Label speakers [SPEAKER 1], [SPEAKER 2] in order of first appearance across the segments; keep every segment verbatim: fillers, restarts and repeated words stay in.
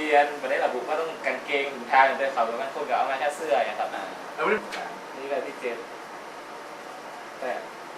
[SPEAKER 1] บียนไม่ได้ระบุว่าต้องกางเกงถุงเท้าอย่างเดียวเขาบางคนก็เอามาแค่เสื้ออย่างครับนี่แบบที่เจ็ดแต่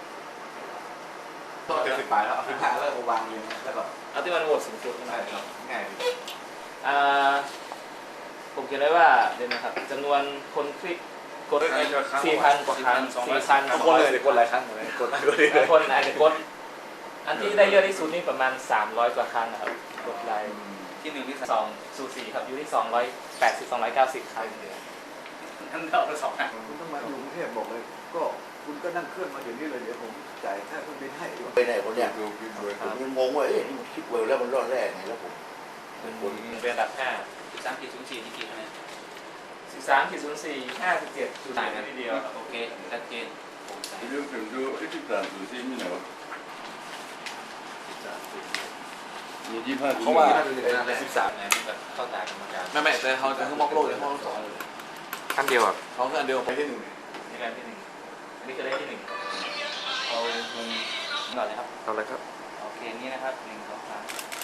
[SPEAKER 2] ต้องเจ็ดสิบปลายแล้วเอาขึ้นท้ายแล้วก็วางเรียงแล้วก็
[SPEAKER 1] เอาที่มันโหวตสูงสุดนะค
[SPEAKER 2] ง่า
[SPEAKER 1] รั
[SPEAKER 2] ย
[SPEAKER 1] บ
[SPEAKER 2] ง่าย
[SPEAKER 1] อ่าผมเขียนไว้ว่าเดี๋ยวนะครับจำนวนคนคลิกกดสี่พันกว่าครั้งสี่พัน
[SPEAKER 2] ทุกคนเลยกดหลายครั้งเลยกดหลายคนเลย
[SPEAKER 1] บางคนอาจจะกดอันที่ได้เยอะที่สุดนี่ประมาณสามร้อยกว่าครั้งนะครับกดไลค์ที่หนึ่งที่สองสูสีครับอยู่ที่สองร้อยแปดสิบสองร้อยเก้าสิบครั้งทั้งเท่ากันสองครั้ง
[SPEAKER 3] คุณต้องมาอยู่กรุงเทพบอกเลย ก็คุณก็นั่งเครื่องมาเดี๋ยวนี้เลยเดี๋ยวผมจ่ายค่าเครื่องบินให้ดีกว่า
[SPEAKER 4] ไปไหนคนเนี้ยผมยังงงว่าเอ๊ะนี่มันคิดเวลแล้วมันรอดแรกไงแล้วผม
[SPEAKER 1] เป็นเป็นอันดับห้า
[SPEAKER 5] สิบสามขีดศูนย์สี่นี่กี่คะแนน
[SPEAKER 1] สิบสามขีดศูนย์สี่ห้าสิบเจ็ดจุดต่างกันทีเดียว
[SPEAKER 5] โอเคชัดเจน
[SPEAKER 6] Il y a que je équipe là, c'est mineur. Il dit pas
[SPEAKER 2] เพราะว่า
[SPEAKER 6] que
[SPEAKER 2] สิบสาม
[SPEAKER 5] คะแนนแบบเข้าตากรรมการ
[SPEAKER 2] ไม่ไม่แต่เขาจะคือมอกโลกเลยเขาสอง
[SPEAKER 1] ขั้นเดียวอ่ะ
[SPEAKER 2] เขาคืออันเดียวไปที่หนึ่ง
[SPEAKER 1] นี่การที่หนึ่งอันนี้คือได้ที่หนึ่ง
[SPEAKER 5] เอาเงินก่อนเลยครับ
[SPEAKER 1] เอาเลยครับ
[SPEAKER 5] โอเคนี่นะครับหนึ่งสองสาม